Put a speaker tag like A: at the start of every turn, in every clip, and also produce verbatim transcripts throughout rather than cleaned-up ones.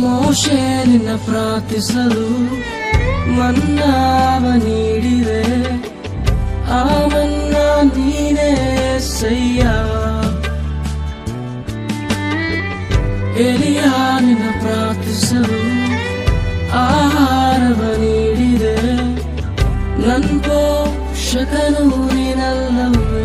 A: ಮೋಶೆ ನಿನ್ನ ಪ್ರಾರ್ಥಿಸಲು ಮನ್ನಾವ ನೀಡಿದೆ, ಆ ಮನ್ನಾ ನೀನೇ ಸಯ್ಯ. ಎಲಿಯ ನಿನ್ನ ಪ್ರಾರ್ಥಿಸಲು ಆಹಾರವ ನೀಡಿದೆ, ನನ್ ಪೋಷಕನು ನೀನಲ್ಲವೇ.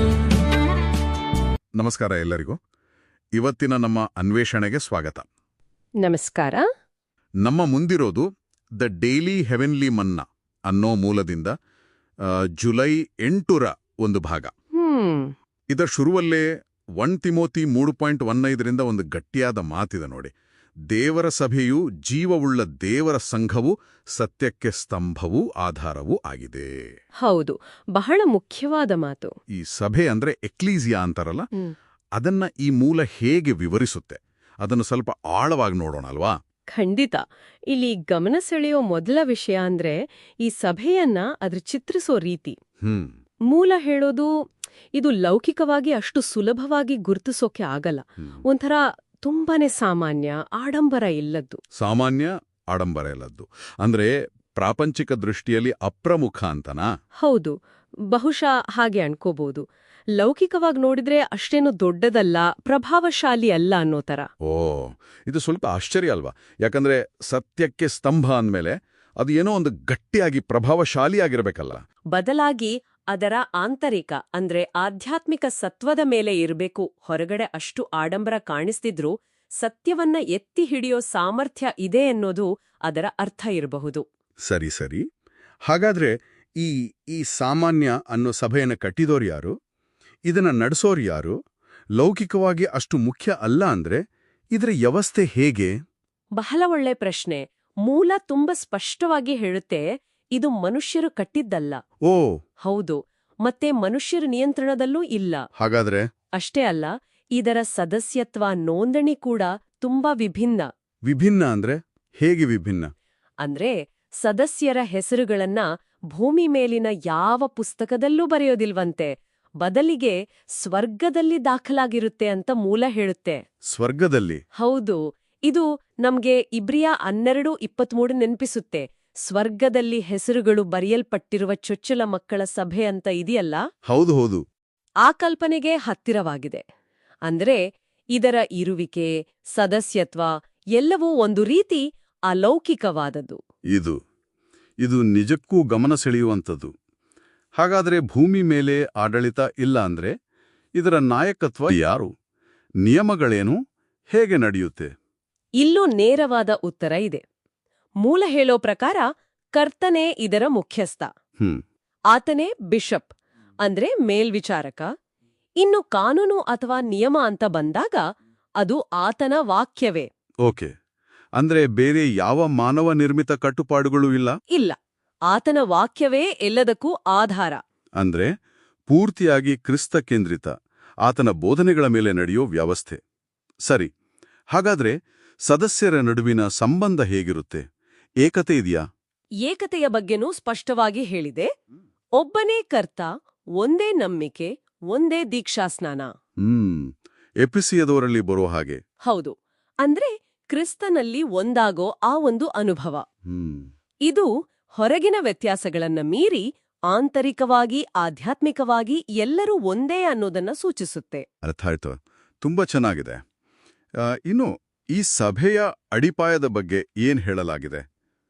B: ನಮಸ್ಕಾರ ಎಲ್ಲರಿಗೂ. ಇವತ್ತಿನ ನಮ್ಮ ಅನ್ವೇಷಣೆಗೆ ಸ್ವಾಗತ.
C: ನಮಸ್ಕಾರ.
B: ನಮ್ಮ ಮುಂದಿರೋದು ದ ಡೈಲಿ ಹೆವೆನ್ಲಿ ಮನ್ನಾ ಅನ್ನೋ ಮೂಲದಿಂದ ಆ, ಜುಲೈ ಎಂಟರ ಒಂದು ಭಾಗ.
C: ಹ್ಮ್
B: ಇದರ ಶುರುವಲ್ಲೇ ಒನ್ ತಿಮೋತಿ ಮೂರು ಪಾಯಿಂಟ್ ಒನ್ ಐದರಿಂದ ಒಂದು ಗಟ್ಟಿಯಾದ ಮಾತಿದೆ ನೋಡಿ. ದೇವರ ಸಭೆಯು ಜೀವವುಳ್ಳ ದೇವರ ಸಂಘವು, ಸತ್ಯಕ್ಕೆ ಸ್ತಂಭವೂ ಆಧಾರವೂ ಆಗಿದೆ.
C: ಹೌದು, ಬಹಳ ಮುಖ್ಯವಾದ ಮಾತು.
B: ಈ ಸಭೆ ಅಂದ್ರೆ ಎಕ್ಲೀಸಿಯಾ ಅಂತಾರಲ್ಲ,
C: ಹ್ಮ್.
B: ಅದನ್ನ ಈ ಮೂಲ ಹೇಗೆ ವಿವರಿಸುತ್ತೆ ಅದನ್ನು ಸ್ವಲ್ಪ ಆಳವಾಗಿ ನೋಡೋಣ ಅಲ್ವಾ?
C: ಖಂಡಿತ. ಇಲ್ಲಿ ಗಮನ ಸೆಳೆಯೋ ಮೊದಲ ವಿಷಯ ಅಂದ್ರೆ ಈ ಸಭೆಯನ್ನ ಅದ್ರ ಚಿತ್ರಿಸೋ ರೀತಿ.
B: ಹ್ಮ್
C: ಮೂಲ ಹೇಳೋದು ಇದು ಲೌಕಿಕವಾಗಿ ಅಷ್ಟು ಸುಲಭವಾಗಿ ಗುರುತಿಸೋಕೆ ಆಗಲ್ಲ.
B: ಹ್ಮ್.
C: ಒಂಥರ ತುಂಬಾನೇ ಸಾಮಾನ್ಯ, ಆಡಂಬರ ಇಲ್ಲದ್ದು.
B: ಸಾಮಾನ್ಯ, ಆಡಂಬರ ಇಲ್ಲದ್ದು ಅಂದ್ರೆ ಪ್ರಾಪಂಚಿಕ ದೃಷ್ಟಿಯಲ್ಲಿ ಅಪ್ರಮುಖ ಅಂತನಾ?
C: ಹೌದು, ಬಹುಶಃ ಹಾಗೆ ಅನ್ಕೋಬಹುದು. ಲೌಕಿಕವಾಗಿ ನೋಡಿದ್ರೆ ಅಷ್ಟೇನು ದೊಡ್ಡದಲ್ಲ, ಪ್ರಭಾವಶಾಲಿ ಅಲ್ಲ ಅನ್ನೋ ತರ.
B: ಓ, ಇದು ಸ್ವಲ್ಪ ಆಶ್ಚರ್ಯ ಅಲ್ವಾ? ಯಾಕಂದ್ರೆ ಸತ್ಯಕ್ಕೆ ಸ್ತಂಭ ಅಂದ್ಮೇಲೆ ಅದು ಏನೋ ಒಂದು ಗಟ್ಟಿಯಾಗಿ ಪ್ರಭಾವಶಾಲಿಯಾಗಿರ್ಬೇಕಲ್ಲ.
C: ಬದಲಾಗಿ ಅದರ ಆಂತರಿಕ ಅಂದ್ರೆ ಆಧ್ಯಾತ್ಮಿಕ ಸತ್ವದ ಮೇಲೆ ಇರಬೇಕು. ಹೊರಗಡೆ ಅಷ್ಟು ಆಡಂಬರ ಕಾಣಿಸ್ತಿದ್ರೂ ಸತ್ಯವನ್ನ ಎತ್ತಿ ಹಿಡಿಯೋ ಸಾಮರ್ಥ್ಯ ಇದೆ ಅನ್ನೋದು ಅದರ ಅರ್ಥ ಇರಬಹುದು.
B: ಸರಿ ಸರಿ. ಹಾಗಾದ್ರೆ ಈ ಈ ಸಾಮಾನ್ಯ ಅನ್ನೋ ಸಭೆಯನ್ನು ಕಟ್ಟಿದೋರು ಯಾರು? ಇದನ್ನ ನಡೆಸೋರು ಯಾರು? ಲೌಕಿಕವಾಗಿ ಅಷ್ಟು ಮುಖ್ಯ ಅಲ್ಲ ಅಂದ್ರೆ ಇದರ ವ್ಯವಸ್ಥೆ ಹೇಗೆ?
C: ಬಹಳ ಒಳ್ಳೆ ಪ್ರಶ್ನೆ. ಮೂಲ ತುಂಬ ಸ್ಪಷ್ಟವಾಗಿ ಹೇಳುತ್ತೆ, ಇದು ಮನುಷ್ಯರು ಕಟ್ಟಿದ್ದಲ್ಲ.
B: ಓ,
C: ಹೌದು, ಮತ್ತೆ ಮನುಷ್ಯರ ನಿಯಂತ್ರಣದಲ್ಲೂ ಇಲ್ಲ.
B: ಹಾಗಾದ್ರೆ
C: ಅಷ್ಟೇ ಅಲ್ಲ, ಇದರ ಸದಸ್ಯತ್ವ ನೋಂದಣಿ ಕೂಡ ತುಂಬಾ ವಿಭಿನ್ನ.
B: ವಿಭಿನ್ನ ಅಂದ್ರೆ ಹೇಗೆ ವಿಭಿನ್ನ?
C: ಅಂದ್ರೆ ಸದಸ್ಯರ ಹೆಸರುಗಳನ್ನ ಭೂಮಿ ಮೇಲಿನ ಯಾವ ಪುಸ್ತಕದಲ್ಲೂ ಬರೆಯೋದಿಲ್ವಂತೆ, ಬದಲಿಗೆ ಸ್ವರ್ಗದಲ್ಲಿ ದಾಖಲಾಗಿರುತ್ತೆ ಅಂತ ಮೂಲ ಹೇಳುತ್ತೆ.
B: ಸ್ವರ್ಗದಲ್ಲಿ?
C: ಹೌದು, ಇದು ನಮ್ಗೆ ಇಬ್ರಿಯ ಹನ್ನೆರಡು ಇಪ್ಪತ್ಮೂರು ನೆನ್ಪಿಸುತ್ತೆ. ಸ್ವರ್ಗದಲ್ಲಿ ಹೆಸರುಗಳು ಬರೆಯಲ್ಪಟ್ಟಿರುವ ಚೊಚ್ಚಲ ಮಕ್ಕಳ ಸಭೆ ಅಂತ ಇದೆಯಲ್ಲ.
B: ಹೌದು ಹೌದು.
C: ಆ ಕಲ್ಪನೆಗೆ ಹತ್ತಿರವಾಗಿದೆ. ಅಂದ್ರೆ ಇದರ ಇರುವಿಕೆ, ಸದಸ್ಯತ್ವ ಎಲ್ಲವೂ ಒಂದು ರೀತಿ ಅಲೌಕಿಕವಾದದ್ದು.
B: ಇದು ಇದು ನಿಜಕ್ಕೂ ಗಮನ ಸೆಳೆಯುವಂಥದ್ದು. ಹಾಗಾದ್ರೆ ಭೂಮಿ ಮೇಲೆ ಆಡಳಿತ ಇಲ್ಲ ಅಂದ್ರೆ ಇದರ ನಾಯಕತ್ವ ಯಾರು? ನಿಯಮಗಳೇನು? ಹೇಗೆ ನಡೆಯುತ್ತೆ?
C: ಇಲ್ಲೂ ನೇರವಾದ ಉತ್ತರ ಇದೆ. ಮೂಲ ಹೇಳೋ ಪ್ರಕಾರ ಕರ್ತನೇ ಇದರ ಮುಖ್ಯಸ್ಥ.
B: ಹ್ಮ್
C: ಆತನೇ ಬಿಷಪ್ ಅಂದ್ರೆ ಮೇಲ್ವಿಚಾರಕ. ಇನ್ನು ಕಾನೂನು ಅಥವಾ ನಿಯಮ ಅಂತ ಬಂದಾಗ ಅದು ಆತನ ವಾಕ್ಯವೇ.
B: ಓಕೆ, ಅಂದ್ರೆ ಬೇರೆ ಯಾವ ಮಾನವ ನಿರ್ಮಿತ ಕಟ್ಟುಪಾಡುಗಳೂ ಇಲ್ಲ?
C: ಇಲ್ಲ, ಆತನ ವಾಕ್ಯವೇ ಎಲ್ಲದಕ್ಕೂ ಆಧಾರ.
B: ಅಂದ್ರೆ ಪೂರ್ತಿಯಾಗಿ ಕ್ರಿಸ್ತ ಕೇಂದ್ರಿತ, ಆತನ ಬೋಧನೆಗಳ ಮೇಲೆ ನಡೆಯೋ ವ್ಯವಸ್ಥೆ. ಸರಿ, ಹಾಗಾದ್ರೆ ಸದಸ್ಯರ ನಡುವಿನ ಸಂಬಂಧ ಹೇಗಿರುತ್ತೆ? ಏಕತೆ ಇದೆಯಾ?
C: ಏಕತೆಯ ಬಗ್ಗೆನೂ ಸ್ಪಷ್ಟವಾಗಿ ಹೇಳಿದೆ. ಒಬ್ಬನೇ ಕರ್ತ, ಒಂದೇ ನಂಬಿಕೆ, ಒಂದೇ ದೀಕ್ಷಾಸ್ನಾನ.
B: ಹ್ಮ್ ಎಪಿಸಿಯದವರಲ್ಲಿ ಬರೋ ಹಾಗೆ.
C: ಹೌದು, ಅಂದ್ರೆ ಕ್ರಿಸ್ತನಲ್ಲಿ ಒಂದಾಗೋ ಆ ಒಂದು ಅನುಭವ.
B: ಹ್ಮ್
C: ಇದು ಹೊರಗಿನ ವ್ಯತ್ಯಾಸಗಳನ್ನ ಮೀರಿ ಆಂತರಿಕವಾಗಿ, ಆಧ್ಯಾತ್ಮಿಕವಾಗಿ ಎಲ್ಲರೂ ಒಂದೇ ಅನ್ನೋದನ್ನ ಸೂಚಿಸುತ್ತೆ.
B: ಅರ್ಥ ಆಯ್ತು. ತುಂಬಾ ಚೆನ್ನಾಗಿದೆ. ಆ, ಇನ್ನು ಈ ಸಭೆಯ ಅಡಿಪಾಯದ ಬಗ್ಗೆ ಏನ್ ಹೇಳಲಾಗಿದೆ?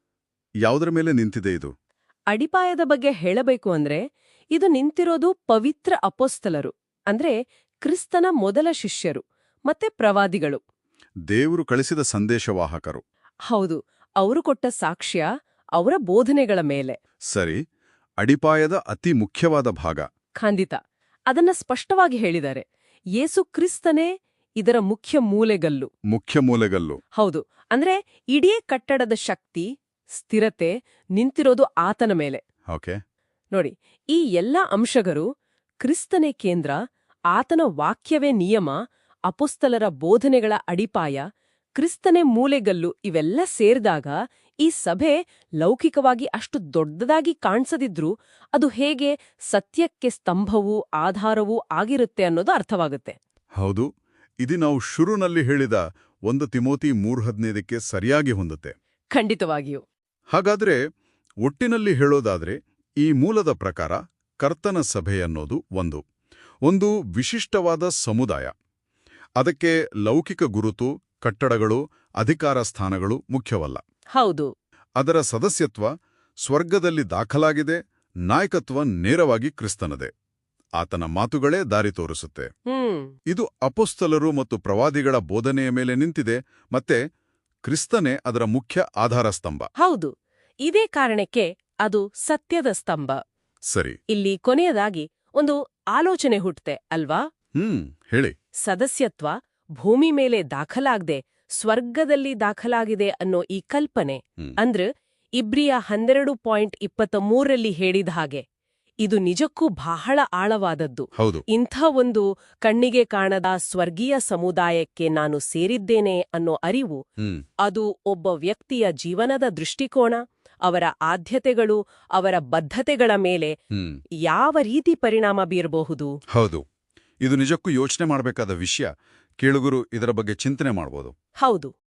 B: ಯಾವುದರ ಮೇಲೆ ನಿಂತಿದೆ ಇದು?
C: ಅಡಿಪಾಯದ ಬಗ್ಗೆ ಹೇಳಬೇಕು ಅಂದ್ರೆ ಇದು ನಿಂತಿರೋದು ಪವಿತ್ರ ಅಪೊಸ್ತಲರು, ಅಂದ್ರೆ ಕ್ರಿಸ್ತನ ಮೊದಲ ಶಿಷ್ಯರು ಮತ್ತೆ ಪ್ರವಾದಿಗಳು.
B: ದೇವರು ಕಳಿಸಿದ ಸಂದೇಶವಾಹಕರು.
C: ಹೌದು, ಅವರು ಕೊಟ್ಟ ಸಾಕ್ಷ್ಯ, ಅವರ ಬೋಧನೆಗಳ ಮೇಲೆ.
B: ಸರಿ, ಅಡಿಪಾಯದ ಅತಿ ಮುಖ್ಯವಾದ ಭಾಗ.
C: ಖಂಡಿತ, ಅದನ್ನ ಸ್ಪಷ್ಟವಾಗಿ ಹೇಳಿದ್ದಾರೆ. ಯೇಸು ಕ್ರಿಸ್ತನೇ ಇದರ ಮುಖ್ಯ ಮೂಲೆಗಲ್ಲು.
B: ಮುಖ್ಯ ಮೂಲೆಗಲ್ಲು.
C: ಹೌದು, ಅಂದ್ರೆ ಇಡೀ ಕಟ್ಟಡದ ಶಕ್ತಿ, ಸ್ಥಿರತೆ ನಿಂತಿರೋದು ಆತನ ಮೇಲೆ.
B: ಓಕೆ.
C: ನೋಡಿ, ಈ ಎಲ್ಲ ಅಂಶಗಳು ಕ್ರಿಸ್ತನೇ ಕೇಂದ್ರ, ಆತನ ವಾಕ್ಯವೇ ನಿಯಮ, ಅಪೊಸ್ತಲರ ಬೋಧನೆಗಳ ಅಡಿಪಾಯ, ಕ್ರಿಸ್ತನೇ ಮೂಲೆಗಲ್ಲು ಇವೆಲ್ಲ ಸೇರಿದಾಗ ಈ ಸಭೆ ಲೌಕಿಕವಾಗಿ ಅಷ್ಟು ದೊಡ್ಡದಾಗಿ ಕಾಣಿಸದಿದ್ರೂ ಅದು ಹೇಗೆ ಸತ್ಯಕ್ಕೆ ಸ್ತಂಭವೂ ಆಧಾರವೂ ಆಗಿರುತ್ತೆ ಅನ್ನೋದು ಅರ್ಥವಾಗುತ್ತೆ.
B: ಹೌದು, ಇದು ನಾವು ಶುರುನಲ್ಲಿ ಹೇಳಿದ ಒಂದು ತಿಮೋತಿ ಮೂರು ಹದಿನೈದಕ್ಕೆ ಸರಿಯಾಗಿ ಹೊಂದುತ್ತೆ.
C: ಖಂಡಿತವಾಗಿಯೂ.
B: ಹಾಗಾದ್ರೆ ಒಟ್ಟಿನಲ್ಲಿ ಹೇಳೋದಾದ್ರೆ ಈ ಮೂಲದ ಪ್ರಕಾರ ಕರ್ತನ ಸಭೆ ಅನ್ನೋದು ಒಂದು ಒಂದು ವಿಶಿಷ್ಟವಾದ ಸಮುದಾಯ. ಅದಕ್ಕೆ ಲೌಕಿಕ ಗುರುತು, ಕಟ್ಟಡಗಳು, ಅಧಿಕಾರ ಸ್ಥಾನಗಳು ಮುಖ್ಯವಲ್ಲ.
C: ಹೌದು.
B: ಅದರ ಸದಸ್ಯತ್ವ ಸ್ವರ್ಗದಲ್ಲಿ ದಾಖಲಾಗಿದೆ, ನಾಯಕತ್ವ ನೇರವಾಗಿ ಕ್ರಿಸ್ತನದೇ. ಆತನ ಮಾತುಗಳೇ ದಾರಿ ತೋರಿಸುತ್ತೆ.
C: ಹ್ಮ್
B: ಇದು ಅಪೊಸ್ತಲರು ಮತ್ತು ಪ್ರವಾದಿಗಳ ಬೋಧನೆಯ ಮೇಲೆ ನಿಂತಿದೆ, ಮತ್ತೆ ಕ್ರಿಸ್ತನೇ ಅದರ ಮುಖ್ಯ ಆಧಾರ ಸ್ತಂಭ.
C: ಹೌದು. ಇದೇ ಕಾರಣಕ್ಕೆ ಅದು ಸತ್ಯದ ಸ್ತಂಭ.
B: ಸರಿ.
C: ಇಲ್ಲಿ ಕೊನೆಯದಾಗಿ ಒಂದು ಆಲೋಚನೆ ಹುಟ್ಟುತ್ತೆ ಅಲ್ವಾ?
B: ಹ್ಮ್ ಹೇಳಿ.
C: ಸದಸ್ಯತ್ವ ಭೂಮಿ ಮೇಲೆ ದಾಖಲಾಗದೆ ಸ್ವರ್ಗದಲ್ಲಿ ದಾಖಲಾಗಿದೆ ಅನ್ನೋ ಈ ಕಲ್ಪನೆ,
B: ಹ್ಮ್.
C: ಅಂದ್ರೆ ಇಬ್ರಿಯ ಹನ್ನೆರಡು ಪಾಯಿಂಟ್ ಇಪ್ಪತ್ತ ಮೂರರಲ್ಲಿ ಹೇಳಿದ ಹಾಗೆ ಇದು ನಿಜಕ್ಕೂ ಬಹಳ ಆಳವಾದದ್ದು.
B: ಹೌದು.
C: ಇಂಥ ಒಂದು ಕಣ್ಣಿಗೆ ಕಾಣದ ಸ್ವರ್ಗೀಯ ಸಮುದಾಯಕ್ಕೆ ನಾನು ಸೇರಿದ್ದೇನೆ ಅನ್ನೋ ಅರಿವು,
B: ಹ್ಮ್
C: ಅದು ಒಬ್ಬ ವ್ಯಕ್ತಿಯ ಜೀವನದ ದೃಷ್ಟಿಕೋನ, ಅವರ ಆದ್ಯತೆಗಳು, ಅವರ ಬದ್ಧತೆಗಳ ಮೇಲೆ
B: ಹ್ಮ್
C: ಯಾವ ರೀತಿ ಪರಿಣಾಮ ಬೀರಬಹುದು?
B: ಹೌದು. ಇದು ನಿಜಕ್ಕೂ ಯೋಚನೆ ಮಾಡಬೇಕಾದ ವಿಷಯ. ಕೇಳುಗರು ಇದರ ಬಗ್ಗೆ ಚಿಂತನೆ ಮಾಡ್ಬೋದು.
C: ಹೌದು.